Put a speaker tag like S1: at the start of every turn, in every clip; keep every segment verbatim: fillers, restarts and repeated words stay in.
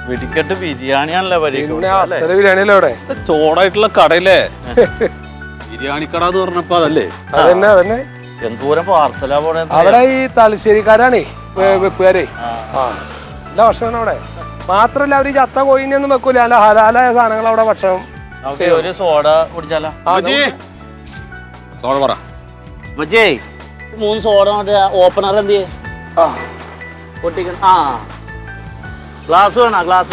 S1: വെടിക്കെട്ട് ബിരിയാണിയാണല്ലേ
S2: ബിരിയാണിയല്ലേ അവിടെ
S3: ചോടായിട്ടുള്ള കടയില്ലേ ബിരിയാണി കട എന്ന് പറഞ്ഞപ്പോ അതല്ലേ
S2: അതന്നെ അതന്നെ
S1: എന്തോരം പാർസലാ പോണേ
S2: അവിടെ ഈ തലശ്ശേരിക്കാരാണേ വെപ്പുകാരെ ആ നല്ല ഭക്ഷണം അവിടെ മാത്രല്ല അവര് ചത്ത കോയിനൊന്നും വെക്കൂല അല്ല ഹലാലായ സാധനങ്ങൾ അവിടെ ഭക്ഷണം.
S1: ഒരു സോഡ കുടിച്ചാലോ?
S3: സോഡ പറ
S1: മൂന്ന് സോഡ ഓപ്പണർ എന്ത് പൊട്ടിക്കണം. ആ ഗ്ലാസ് വേണോ? ഗ്ലാസ്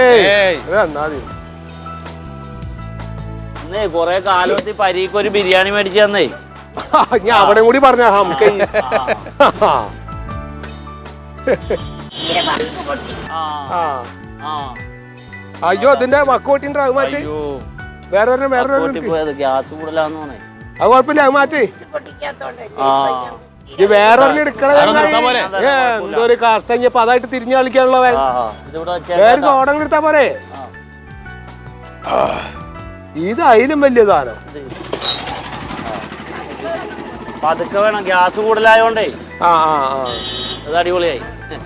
S1: എന്നേ കൊറേ കാലത്തി പരീക്ക് ഒരു ബിരിയാണി മേടിച്ചു തന്നേ.
S2: ഞാൻ അവിടെ കൂടി പറഞ്ഞ അയ്യോ അതിന്റെ മക്കോട്ടിന്റെ അത് മാറ്റി വേറെ വേറെ
S1: ഗ്യാസ് കൂടുതലാന്ന് പറഞ്ഞേ.
S2: അത് കുഴപ്പമില്ല, അത് മാറ്റി വേറെ എടുക്കണ എന്തോ കാഷ്ടപ്പോ അതായിട്ട് തിരിഞ്ഞു കളിക്കാനുള്ള വേറെ സോഡം എടുത്താ പോരെ. ഇത് അതിലും വലിയ സാധനം.
S1: പതുക്കെ വേണം, ഗ്യാസ് കൂടുതലായോണ്ടേ.
S2: ആ ആ ആ
S1: അത് അടിപൊളിയായി.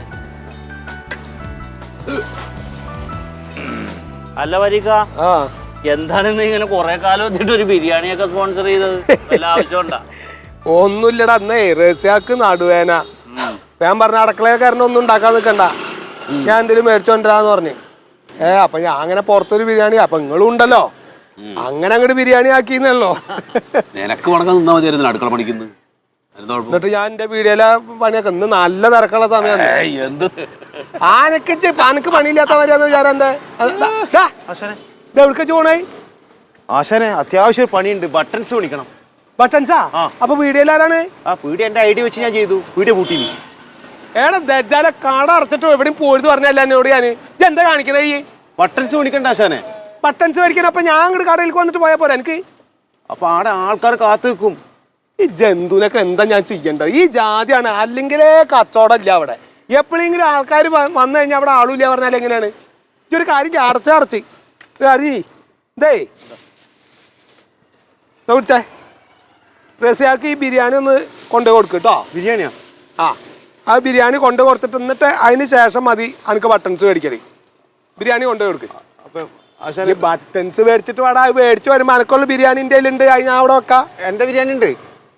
S1: അല്ല വരിക എന്താണെന്ന് ഇങ്ങനെ കൊറേ കാലം വെച്ചിട്ട് ഒരു ബിരിയാണിയൊക്കെ സ്പോൺസർ ചെയ്തത് വല്ല ആവശ്യമുണ്ടാ?
S2: ഒന്നുമില്ലടാ, അന്നേ റസിയാക്ക് നടുവേന ഞാൻ പറഞ്ഞ അടുക്കളക്കാരനെ ഒന്നും ഉണ്ടാക്കാൻ നിൽക്കണ്ട, ഞാൻ എന്തെങ്കിലും മേടിച്ചോണ്ടിരാന്ന് പറഞ്ഞു. ഏ അപ്പൊ ഞാൻ അങ്ങനെ പുറത്തൊരു ബിരിയാണി അപ്പൊ നിങ്ങളും ഉണ്ടല്ലോ അങ്ങനെ അങ്ങോട്ട് ബിരിയാണി ആക്കിന്നല്ലോ.
S3: അടുക്കള പണിക്കുന്നു
S2: എന്നിട്ട് ഞാൻ എന്റെ വീഡിയോയിലെ പണിയൊക്കെ ഇന്ന് നല്ല തിരക്കുള്ള സമയമാണ്. ആനക്ക് അനക്ക് പണിയില്ലാത്ത വരെയാന്ന് വിചാരം എന്റെ എവിടേക്ക് ചോണായി
S4: ആശാനെ അത്യാവശ്യം പണിയുണ്ട്, ബട്ടൺസ് പണിക്കണം.
S2: ബട്ടൺസാ? അപ്പൊ വീഡിയോയിൽ ആരാണ്?
S4: ആ വീഡിയോ എന്റെ ഐഡിയ വെച്ച് ഞാൻ ചെയ്തു, വീഡിയോ പൂട്ടി.
S2: ഏടാ ദജ്ജാലെ കട അടച്ചിട്ടോ എവിടെയും പോയിട്ട് പറഞ്ഞല്ല എന്നോട് ഞാന് എന്താ കാണിക്കണേ? ഈ
S4: ബട്ടൺസ് പണിക്കണ്ട ആശാനെ.
S2: ബട്ടൺസ് മേടിക്കണം. അപ്പൊ ഞാൻ അങ്ങോട്ട് കടയിലേക്ക് വന്നിട്ട് പോയാ പോരാ എനിക്ക്?
S4: അപ്പൊ ആടെ ആൾക്കാർ കാത്തു നിൽക്കും.
S2: ഈ ജന്തുവിനൊക്കെ എന്താ ഞാൻ ചെയ്യേണ്ടത്? ഈ ജാതിയാണ്, അല്ലെങ്കിലേ കച്ചവടം ഇല്ല അവിടെ. എപ്പോഴെങ്കിലും ആൾക്കാർ വന്നു കഴിഞ്ഞാൽ അവിടെ ആളുമില്ല പറഞ്ഞാൽ എങ്ങനെയാണ്? ഈ ഒരു കാര്യം അടച്ച് അടച്ച് അരി ഇതേ വിളിച്ചേ റസിയാക്ക് ഈ ബിരിയാണി ഒന്ന് കൊണ്ടു കൊടുക്കും കേട്ടോ.
S4: ബിരിയാണിയാ?
S2: ആ ആ ബിരിയാണി കൊണ്ടു കൊടുത്തിട്ട് എന്നിട്ട് അതിന് ശേഷം മതി എനിക്ക് ബട്ടൺസ് മേടിക്കല്. ബിരിയാണി കൊണ്ടു കൊടുക്കും.
S4: അപ്പൊ
S2: ബട്ടൺസ് മേടിച്ചിട്ട് വേടാ, മേടിച്ചു വരുമ്പോ എനക്കുള്ള ബിരിയാണി എൻ്റെ ഉണ്ട്, അത് ഞാൻ അവിടെ വെക്കാം.
S4: എന്റെ ബിരിയാണി ഉണ്ട്.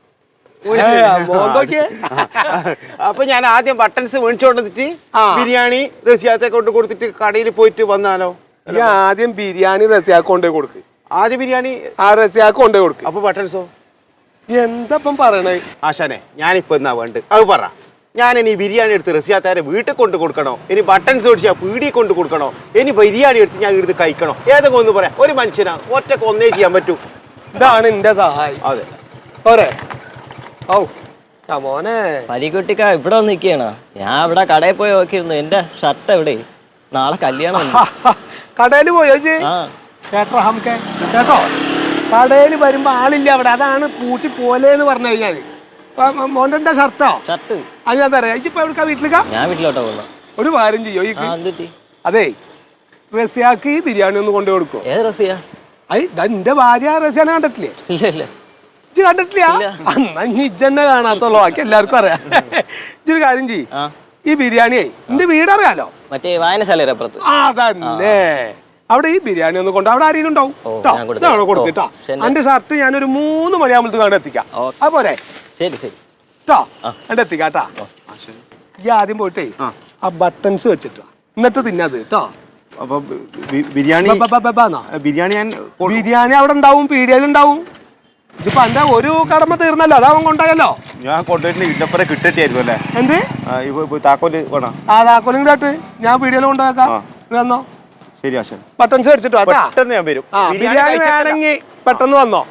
S4: അപ്പൊ ഞാൻ ആദ്യം ബട്ടൺസ് മേടിച്ചോണ്ടിട്ട് ബിരിയാണി റസിയാത്തെ കൊണ്ട് കൊടുത്തിട്ട് കടയിൽ പോയിട്ട് വന്നാലോ?
S2: ഈ ആദ്യം ബിരിയാണി റസിയാക്ക് കൊണ്ടേ കൊടുക്ക്.
S4: ആദ്യം ബിരിയാണി
S2: ആ റസിയാക്ക് കൊണ്ടേ കൊടുക്ക്.
S4: അപ്പൊ ബട്ടൺസോ?
S2: എന്താപ്പം പറയണേ
S4: ആശാനെ? ഞാനിപ്പോ എന്നാ വേണ്ട അത് പറ. ഞാൻ ഇനി ബിരിയാണി എടുത്ത് റസിയാത്താരെ വീട്ടിൽ കൊണ്ട് കൊടുക്കണോ, ഇനി ബട്ടൺസ് മേടിച്ചാൽ പീടിയെ കൊണ്ട് കൊടുക്കണോ, ഇനി ബിരിയാണി എടുത്ത് ഞാൻ എടുത്ത് കഴിക്കണോ? ഏതൊക്കെ ഒന്ന് പറയാം. ഒരു മനുഷ്യനാ ഒറ്റക്ക് ഒന്നേ ചെയ്യാൻ പറ്റൂ.
S2: ഇതാണ് എന്റെ സഹായം.
S4: അതെ
S2: പോരെ? ഓ മോനെ
S5: പലിക്കുട്ടിക്ക ഇവിടെ വന്ന് നിൽക്കുകയാണ്. ഞാൻ ഇവിടെ കടയിൽ പോയി നോക്കിയിരുന്നു, എന്റെ ഷർട്ട് എവിടെ? നാളെ കല്യാണം.
S2: കടയിൽ പോയോ കേട്ടോ? ഹംക്കെ കേട്ടോ, കടയിൽ വരുമ്പോ ആളില്ല അവിടെ, അതാണ് പൂട്ടി പോലെന്ന് പറഞ്ഞു കഴിഞ്ഞാല്. മോന്റെ എന്താ ഷർട്ടോ? ഷർട്ട് അത് ഞാൻ തരാം. ഇപ്പൊ എവിടുക്കാ? വീട്ടിലേക്കാ?
S5: ഞാൻ വീട്ടിലോട്ടാ പോകുന്നു.
S2: ഒരു കാര്യം ചെയ്യോ? അതെ റസിയാക്ക് ഈ ബിരിയാണി ഒന്ന് കൊണ്ടു കൊടുക്കോ?
S5: ഏത് റസിയ?
S2: എന്റെ ഭാര്യ റസിയാനെ കണ്ടിട്ടില്ലേ?
S5: ഇല്ല ഇല്ല
S2: ഇജ്ജ് കണ്ടിട്ടില്ല? എന്നാ ഇജ്ജെന്നെ കാണാത്തുള്ളൂ, ബാക്കി എല്ലാവർക്കും അറിയാം. ഇജ്ജൊരു കാര്യം ചെയ്യ്, ഈ ബിരിയാണിയെ എന്റെ വീടറിയാലോ,
S5: മറ്റേ വായനശാല അപ്പുറത്ത്.
S2: അതന്നെ അവിടെ ഈ ബിരിയാണി ഒന്ന് കൊണ്ട് അവിടെ ആരെങ്കിലും ഉണ്ടാവും കൊടുത്തിട്ടാ. എന്റെ ഷർട്ട് ഞാനൊരു മൂന്ന് മണിയാകുമ്പോഴത്തെ കാണാൻ എത്തിക്കാം. അതുപോലെ
S5: ശരി ശരി
S2: കേട്ടോ, എന്റെ എത്തിക്കാട്ടാ. ഈ ആദ്യം പോയിട്ടേ ആ ബട്ടൺസ് വെച്ചിട്ടാ, എന്നിട്ട് തിന്നത് കേട്ടോ.
S4: അപ്പൊ ബിരിയാണി ബിരിയാണി ഞാൻ
S2: ബിരിയാണി അവിടെ ഉണ്ടാവും, പീടികയിലുണ്ടാവും. ഇതിപ്പോ എന്റെ ഒരു കടമ തീർന്നല്ലോ, അതവൻ കൊണ്ടായല്ലോ.
S4: ഞാൻ കൊണ്ടുപോയിട്ട് ഇന്നപ്പുറം കിട്ടിട്ടായിരുന്നു അല്ലേ?
S2: എന്ത്
S4: താക്കോല് വേണം?
S2: ആ താക്കോലും കൂടെ ഞാൻ പീടികയിൽ കൊണ്ടുപോയേക്കാം. വന്നോ?
S4: ശരി ആശാൻ.
S2: ബട്ടൺസ് വെച്ചിട്ടോ.
S4: പെട്ടെന്ന് ഞാൻ വരും.
S2: ബിരിയാണി വേണമെങ്കിൽ പെട്ടെന്ന് വന്നോ.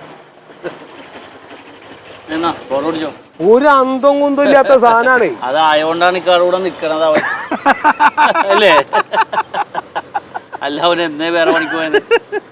S2: ഒരു അന്തം കുന്തം ഇല്ലാത്ത സാധനാണ്.
S1: അതായോണ്ടാണ് ഇക്കാടെ നിക്കണത് അവൻ അല്ലേ? അല്ല അവൻ എന്നേ വേറെ പണിക്ക് പോയത്.